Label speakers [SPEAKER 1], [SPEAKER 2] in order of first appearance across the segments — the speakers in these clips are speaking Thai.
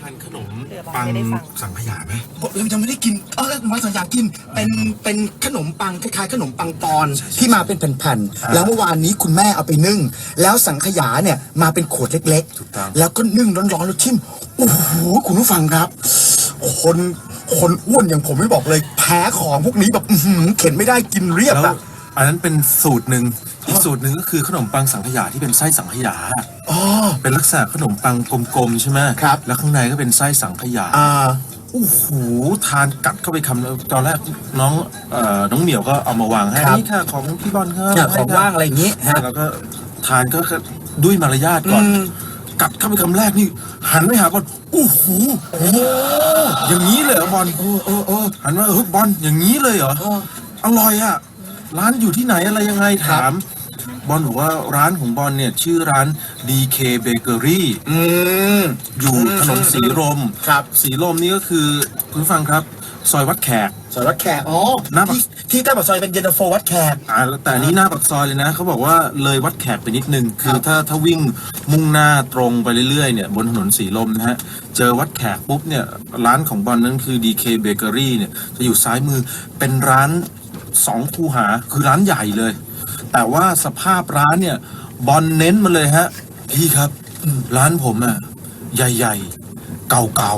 [SPEAKER 1] านขนมปังสังขยาไหม
[SPEAKER 2] เรายังไม่ได้กินวันสังขยากินเป็นขนมปังคล้ายๆขนมปังปอนที่มาเป็นแผ่นๆแล้วเมื่อวานนี้คุณแม่เอาไปนึ่งแล้วสังขยาเนี่ยมาเป็นขวดเล็กๆแล้วก็นึ่งร้อนๆแล้วชิมโอ้โหคุณผู้ฟังครับคนอ้วนอย่างผมไม่บอกเลยแพ้ของพวกนี้แบบเข็นไม่ได้กินเรียบอะ
[SPEAKER 1] อันนั้นเป็นสูตรหนึ่งอีกสูตรหนึ่งก็คือขนมปังสังขยาที่เป็นไส้สังขยาเป็นลักษณะขนมปังกลมๆใช่ไหม
[SPEAKER 2] ครับ
[SPEAKER 1] แล้วข้างในก็เป็นไส้สังขยาโอ้โหทานกัดเข้าไปคำตอนแรกน้องเหมียวก็เอามาวางให้นี่ค่ะของพี่บอลครับ
[SPEAKER 2] ของว่างอะไรอย่างนี้
[SPEAKER 1] แล้วก็ทานก็ด้วยมารยาทก่อนกัดเข้าไปคำแรกนี่หันไปหาบอลโอ้โหอย่างนี้เลยเหรอบอลหันมาบอลอย่างนี้เลยเหรออร่อยอ่ะร้านอยู่ที่ไหนอะไรยังไงถามบอลบอกว่าร้านของบอลเนี่ยชื่อร้าน DK Bakery อยู่ถนนสีลม
[SPEAKER 2] ครับ
[SPEAKER 1] สีลมนี่ก็คือคุณฟังครับซอยวัดแขก
[SPEAKER 2] หน้าที่ใต้ปากซอยเป็นเย็นตาโฟวัดแขก
[SPEAKER 1] แต่นี้หน้าปากซอยเลยนะเขาบอกว่าเลยวัดแขกไปนิดนึงคือถ้าวิ่งมุ่งหน้าตรงไปเรื่อยๆเนี่ยบนถนนสีลมนะฮะเจอวัดแขกปุ๊บเนี่ยร้านของบอลนั้นคือ DK Bakery เนี่ยจะอยู่ซ้ายมือเป็นร้าน2 คูหาคือร้านใหญ่เลยแต่ว่าสภาพร้านเนี่ยบอลเน้นมาเลยฮะพี่ครับร้านผมอ่ะใหญ่ๆเก่า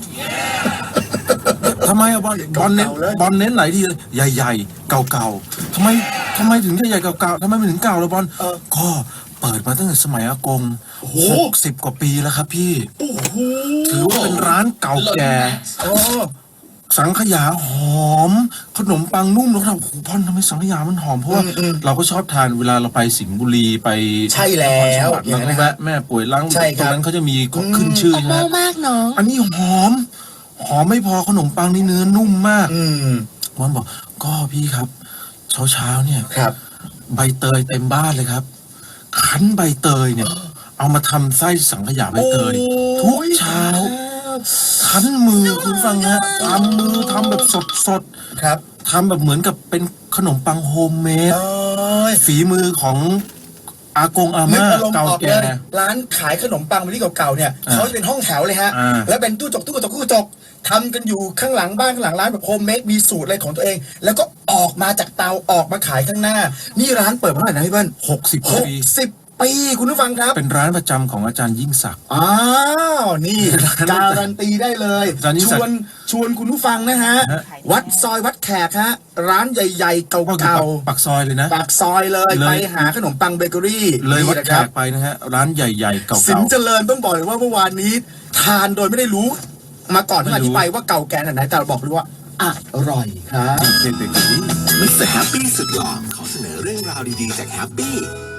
[SPEAKER 1] ๆทำไมอะบอลเน้นหลายทีเลยใหญ่ๆเก่าๆทำไมถึงใหญ่ๆเก่าๆทำไมมันถึงเก่าล่ะบอลก็เปิดมาตั้งแต่สมัยอากง60 กว่าปีแล้วครับพี่ถือว่าเป็นร้านเก่าแก่สังขยาหอมขนมปังนุ่มแล้วเราพ่อนทำไมสังขยามันหอมเพราะว่าเราก็ชอบทานเวลาเราไปสิงห์บุรีไป
[SPEAKER 2] ใช่แล้ว
[SPEAKER 1] เราก็แวะแม่ป่วยล้างตรงนั้นเขาจะมีขึ้นชื่อนะ
[SPEAKER 3] มากน้อง
[SPEAKER 1] อันนี้หอมไม่พอขนมปังนี่เนื้อนุ่มมากมันบอกก็พี่ครับเช้าเนี่ย
[SPEAKER 2] ครับ
[SPEAKER 1] ใบเตยเต็มบ้านเลยครับคั้นใบเตยเนี่ยเอามาทำไส้สังขยาใบเตยทุกเช้าคั้นมือคุณฟังนะทำมือทำแบบสด
[SPEAKER 2] ครับ
[SPEAKER 1] ทำแบบเหมือนกับเป็นขนมปังโฮมเมดฝีมือของอากงอาม่าเก่าแก่
[SPEAKER 2] ร้านขายขนมปังที่เก่าๆเนี่ยเขาจะเป็นห้องแถวเลยฮะแล้วเป็นตู้กระจกทำกันอยู่ข้างหลังบ้านข้างหลังร้านแบบโฮมเมดมีสูตรอะไรของตัวเองแล้วก็ออกมาจากเตาออกมาขายข้างหน้านี่ร้านเปิดมาเท่าไหร่นะพี่เบิ้ล60 ปีคุณผู้ฟังครับ
[SPEAKER 1] เป็นร้านประจำของอาจารย์ยิ่งศักดิ์
[SPEAKER 2] นี่การันตีได้เลยชวนคุณผู้ฟังนะฮะวัดซอยวัดแขกฮะร้านใหญ่ๆเก่า
[SPEAKER 1] ๆปากซอยเลยนะ
[SPEAKER 2] ปากซอยเลยไปหาขนมปังเบเกอรี่
[SPEAKER 1] เลยวัดแขกไปนะฮะร้านใหญ่ๆเก่าๆ
[SPEAKER 2] สินเจริญต้องบอกเลยว่าเมื่อวานนี้ทานโดยไม่ได้รู้มาก่อนที่อธิบายว่าเก่าแก่ไหนแต่บอกเลยว่าอร่อยครับ
[SPEAKER 1] เบเกอรี่
[SPEAKER 4] มิสเตอร์แฮปปี้สุดหล่อขอเสนอเรื่องราวดีๆจากแฮปปี้